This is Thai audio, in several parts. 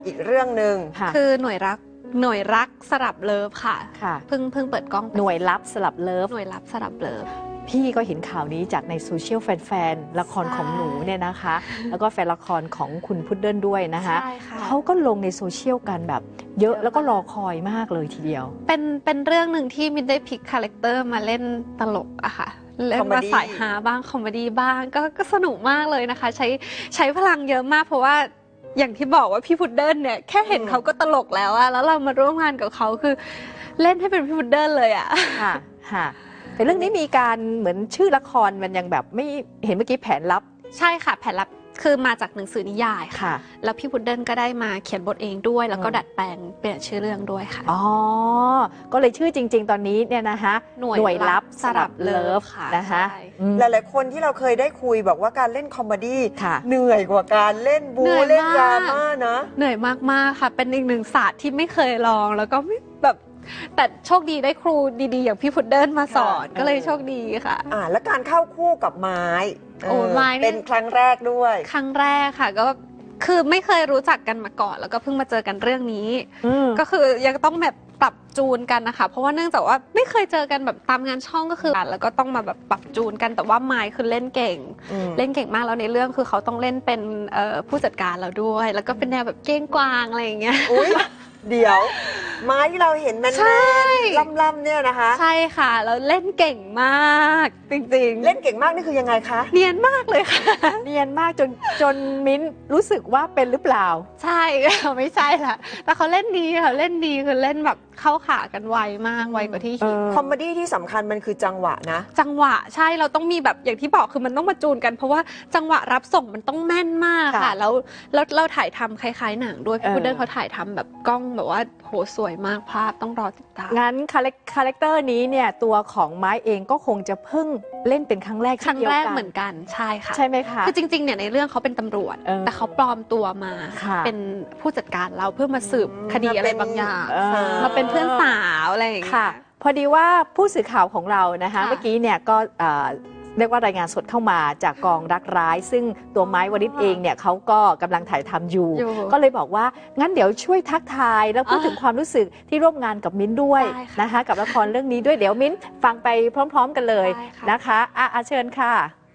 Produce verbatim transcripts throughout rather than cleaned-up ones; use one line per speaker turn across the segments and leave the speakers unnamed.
อีกเรื่องหนึ่ง
คือหน่วยรักหน่วยรักสลับเลิฟค่ะ
ค่ะ
เพิ่งเพิ่งเปิดกล้อง
หน่วยลับสลับเลิฟ
หน่วยลับสลับเลิฟ
พี่ก็เห็นข่าวนี้จากในโซเชียลแฟนๆละครของหนูเนี่ยนะคะแล้วก็แฟนละครของคุณพุดเดิ้ลด้วยนะคะเขาก็ลงในโซเชียลกันแบบเยอะแล้วก็รอคอยมากเลยทีเดียว
เป็นเป็นเรื่องหนึ่งที่มินได้พลิกคาแรคเตอร์มาเล่นตลกอะค่ะเล่นมาสายฮาบ้างคอมเมดี้บ้างก็ก็สนุกมากเลยนะคะใช้ใช้พลังเยอะมากเพราะว่าอย่างที่บอกว่าพี่พุดเดิ้ลเนี่ยแค่เห็นเขาก็ตลกแล้วอะแล้วเรามาร่วมงานกับเขาคือเล่นให้เป็นพี่พุดเดิ้ลเลยอะ
ค่ะค่ะแต่เรื่องนี้มีการเหมือนชื่อละครมันยังแบบไม่เห็นเมื่อกี้แผนลับ
ใช่ค่ะแผนลับคือมาจากหนังสือนิยายค่ะแล้วพี่พุดเดิ้ลก็ได้มาเขียนบทเองด้วยแล้วก็ดัดแปลงเปลี่ยนชื่อเรื่องด้วยค่ะ
อ๋อก็เลยชื่อจริงๆตอนนี้เนี่ยนะคะ
หน่วยลับสลับเลิฟ
นะคะ
หลายๆคนที่เราเคยได้คุยบอกว่าการเล่นคอมเมดี้เหนื่อยกว่าการเล่นบูเล่นดราม่านะ
เหนื่อยมากๆค่ะเป็นอีกหนึ่งศาสตร์ที่ไม่เคยลองแล้วก็ไม่แบบแต่โชคดีได้ครูดีๆอย่างพี่พุดเดิ้ลมาสอนก็เลยโชคดีค่ะ
อ่าแล้วการเข้าคู่กับไม้
โอ้ไม้
เป็นครั้งแรกด้วย
ครั้งแรกค่ะก็คือไม่เคยรู้จักกันมาก่อนแล้วก็เพิ่งมาเจอกันเรื่องนี้ก็คือยังต้องแบบปรับจูนกันนะคะเพราะว่าเนื่องจากว่าไม่เคยเจอกันแบบตามงานช่องก็คือแล้วก็ต้องมาแบบปรับจูนกันแต่ว่าไม้คือเล่นเก่งเล่นเก่งมากแล้วในเรื่องคือเขาต้องเล่นเป็นผู้จัดการเราด้วยแล้วก็เป็นแนวแบบเก้งกวางอะไรอย่างเงี้ย
เดี๋ยวไม้ที่เราเห็นแมนๆล่ำๆเนี่ยนะคะ
ใช่ค่ะแล้วเล่นเก่งมากจริง
ๆเล่นเก่งมากนี่คือยังไงคะ
เนียนมากเลยค่ะ
เนียนมากจนจนมิ้นรู้สึกว่าเป็นหรือเปล่า
ใช่ไม่ใช่ละแต่เขาเล่นดีค่ะเล่นดีคือเล่นแบบเข้าขากันไวมากไวกว่าที่คิด
คอมเมดี้ที่สำคัญมันคือจังหวะนะ
จังหวะใช่เราต้องมีแบบอย่างที่บอกคือมันต้องมาจูนกันเพราะว่าจังหวะรับส่งมันต้องแม่นมากค่ะแล้วแล้วเราถ่ายทำคล้ายๆหนังด้วยพี่พุดเดิ้ลเขาถ่ายทำแบบกล้องแบบว่าโหสวยมากภาพต้องรอติดตาม
งั้นคาแรคเตอร์นี้เนี่ยตัวของไม้เองก็คงจะเพิ่งเล่นเป็นครั้งแรก
ครั้งแรกเหมือนกันใช่ค่ะ
ใช่ไหมคะ
คือจริงๆเนี่ยในเรื่องเขาเป็นตำรวจแต่เขาปลอมตัวมาเป็นผู้จัดการเราเพื่อมาสืบคดีอะไรบางอย่างมาเป็นเพื่อนสาวอะไรอย่างเงี้ย
พอดีว่าผู้สื่อข่าวของเรานะคะเมื่อกี้เนี่ยก็เรียกว่ารายงานสดเข้ามาจากกองรักร้ายซึ่งตัวไม้วริศเองเนี่ยเขาก็กำลังถ่ายทำอยู่ก็เลยบอกว่างั้นเดี๋ยวช่วยทักทายแล้วพูดถึงความรู้สึกที่ร่วมงานกับมิ้นด้วยนะคะกับละครเรื่องนี้ด้วยเดี๋ยวมิ้นฟังไปพร้อมๆกันเลยนะคะอ่ะเชิญค่ะ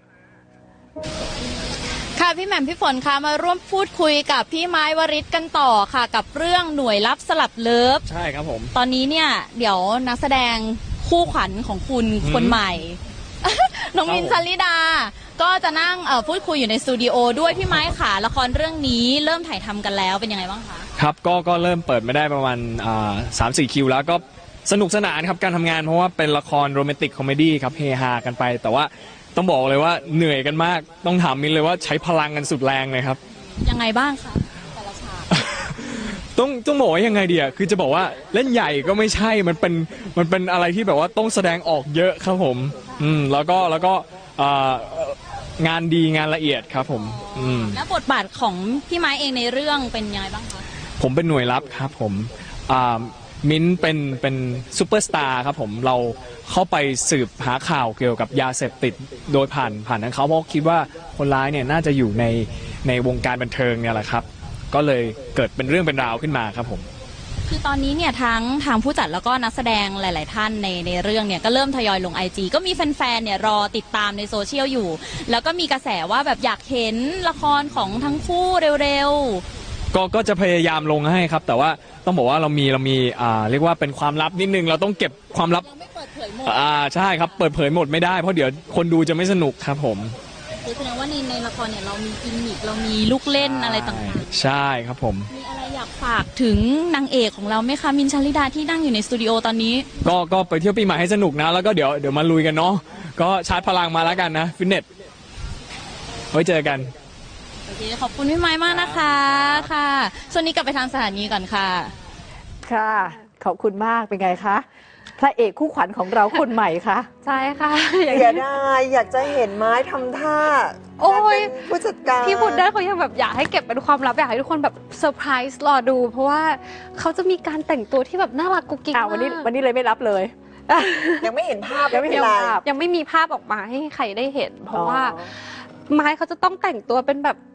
ค่ะพี่แหม่มพี่ฝนคะมาร่วมพูดคุยกับพี่ไม้วริศกันต่อค่ะกับเรื่องหน่วยลับสลับเลิฟ
ใช่ครับผม
ตอนนี้เนี่ยเดี๋ยวนักแสดงคู่ขวัญของคุณคนใหม่น้องมินท์ ชลิดาก็จะนั่งพูดคุยอยู่ในสตูดิโอด้วยพี่ไม้ค่ะละครเรื่องนี้เริ่มถ่ายทำกันแล้วเป็นยังไงบ้างคะ
ครับก็ก็เริ่มเปิดไม่ได้ประมาณสามสี่คิวแล้วก็สนุกสนานครับการทำงานเพราะว่าเป็นละครโรแมนติกคอมเมดี้ครับเฮฮากันไปแต่ว่าต้องบอกเลยว่าเหนื่อยกันมากต้องถามมินเลยว่าใช้พลังกันสุดแรงเลยครับ
ยังไงบ้างคะแต่ละฉาก
ต้องต้องบอกว่ายังไงเดียคือจะบอกว่าเล่นใหญ่ก็ไม่ใช่มันเป็นมันเป็นอะไรที่แบบว่าต้องแสดงออกเยอะครับผมอืมแล้วก็แล้วก็งานดีงานละเอียดครับผมอืม
แล้วบทบาทของพี่ไม้เองในเรื่องเป็นยังไงบ้างคะ
ผมเป็นหน่วยลับครับผมมิ้นเป็นเป็นซูเปอร์สตาร์ครับผมเราเข้าไปสืบหาข่าวเกี่ยวกับยาเสพติดโดยผ่านผ่านทางเขาเพราะคิดว่าคนร้ายเนี่ยน่าจะอยู่ในในวงการบันเทิงเนี่ยแหละครับก็เลยเกิดเป็นเรื่องเป็นราวขึ้นมาครับผม
คือตอนนี้เนี่ยทั้งทางผู้จัดแล้วก็นักแสดงหลายๆท่านในในเรื่องเนี่ยก็เริ่มทยอยลง ไอ จี ก็มีแฟนๆเนี่ยรอติดตามในโซเชียลอยู่แล้วก็มีกระแสว่าแบบอยากเห็นละครของทั้งคู่เร็ว
ๆก็ก็จะพยายามลงให้ครับแต่ว่าต้องบอกว่าเรามีเรามีอ่าเรียกว่าเป็นความลับนิดนึงเราต้องเก็บความลับ
ไม่เปิดเผยหมด
อ่าใช่ครับเปิดเผยหมดไม่ได้เพราะเดี๋ยวคนดูจะไม่สนุกครับผม
คือแสดงว่าในในละครเนี่ยเรามีกิมมิคเรามีลูกเล่นอะไรต่าง
ๆใช่ครับผม
มีอะไรอยากฝากถึงนางเอกของเราไหมคะมินท์ ชลิดาที่นั่งอยู่ในสตูดิโอตอนนี้
ก็ก็ไปเที่ยวปีใหม่ให้สนุกนะแล้วก็เดี๋ยวเดี๋ยวมาลุยกันเนาะก็ชาร์จพลังมาแล้วกันนะฟิตเนสไว้เจอกัน
โอเคขอบคุณพี่ไม้มากนะคะค่ะช่วงนี้กลับไปทางสถานีก่อนค่ะ
ค่ะขอบคุณมากเป็นไงคะพระเอกคู่ขวัญของเราคนใหม่คะ
ใช่ค่ะ
อย่าได้อยากจะเห็นไม้ทำท่า
โอ้ย
ผู้จัดการ
พี่พุดเดิ้ลเขายังแบบอยากให้เก็บเป็นความลับอยากให้ทุกคนแบบเซอร์ไพรส์รอดูเพราะว่าเขาจะมีการแต่งตัวที่แบบน่ารักกุ๊กกิ๊กมาก
วันนี้วันนี้เลยไม่รับเลย
ยังไม่เห็นภาพ
ยังไม่เห็นภาพยังไม่มีภาพออกมาให้ใครได้เห็นเพราะว่าไม้เขาจะต้องแต่งตัวเป็นแบบ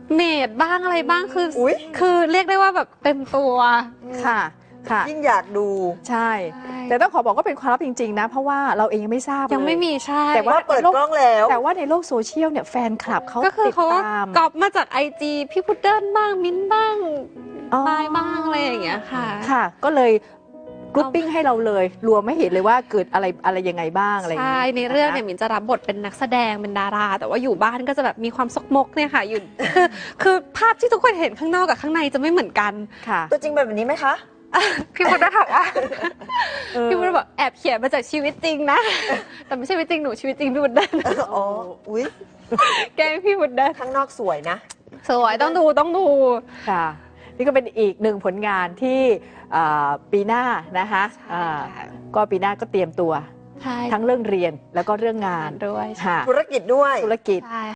เมดบ้างอะไรบ้างคืออ
อุ๊ย
คือเรียกได้ว่าแบบเต็มตัว
ค่ะค่ะ
ยิ่งอยากดู
ใช่ แต่ต้องขอบอกว่าเป็นความลับจริงๆนะ เพราะว่าเราเองยังไม่ทราบเลย
ยังไม่มีใช่
แต่ว่า
ว่าเปิดกล้องแล้ว
แต่ว่าในโลกโซเชียลเนี่ยแฟนคลับเขา
ก็คือ
ติด
เขาก็
ตาม
ก๊อปมาจากไอจีพี่พุดเดิ้ลบ้างมิ้นท์บ้าง
อ๋อ
ปายบ้างอะไรอย่างเงี้ยค่ะ
ค่ะ ก็เลยกรุ๊ปปิ้งให้เราเลยรวมไม่เห็นเลยว่าเกิดอะไรอะไรยังไงบ้างอะไรอย่าง
ใช่
เงี้ย
ในเรื่องเนี่ย
ะคะ
มินจะรับบทเป็นนักแสดงเป็นดารา แต่ว่าอยู่บ้านก็จะแบบมีความซกมกเนี่ยค่ะอยู่ คือคือภาพที่ทุกคนเห็นข้างนอกกับข้างในจะไม่เหมือนกัน
ค่ะ
ตัวจริงแบบนี้ไหมคะ
พี่พุดได้ถามว่า
เออ
พี่พุดบอกแอบเขียนมาจากชีวิตจริงนะ แต่ไม่ใช่ชีวิตจริงหนูชีวิตจริงพี่พุดได้
อ๋อ อุ้ย
แกล้งพี่พุดได้
ข้างนอกสวยนะ
สวยต้องดูต้องดู
ค่ะ นี่ก็เป็นอีกหนึ่งผลงานที่อ่าปีหน้านะคะ
ใช่
อ่าก็ปีหน้าก็เตรียมตัว
ใช่
ทั้งเรื่องเรียนแล้วก็เรื่องงาน
ด้วย
ค่ะ
ธุรกิจด้วย
ธุรกิจ
ใช่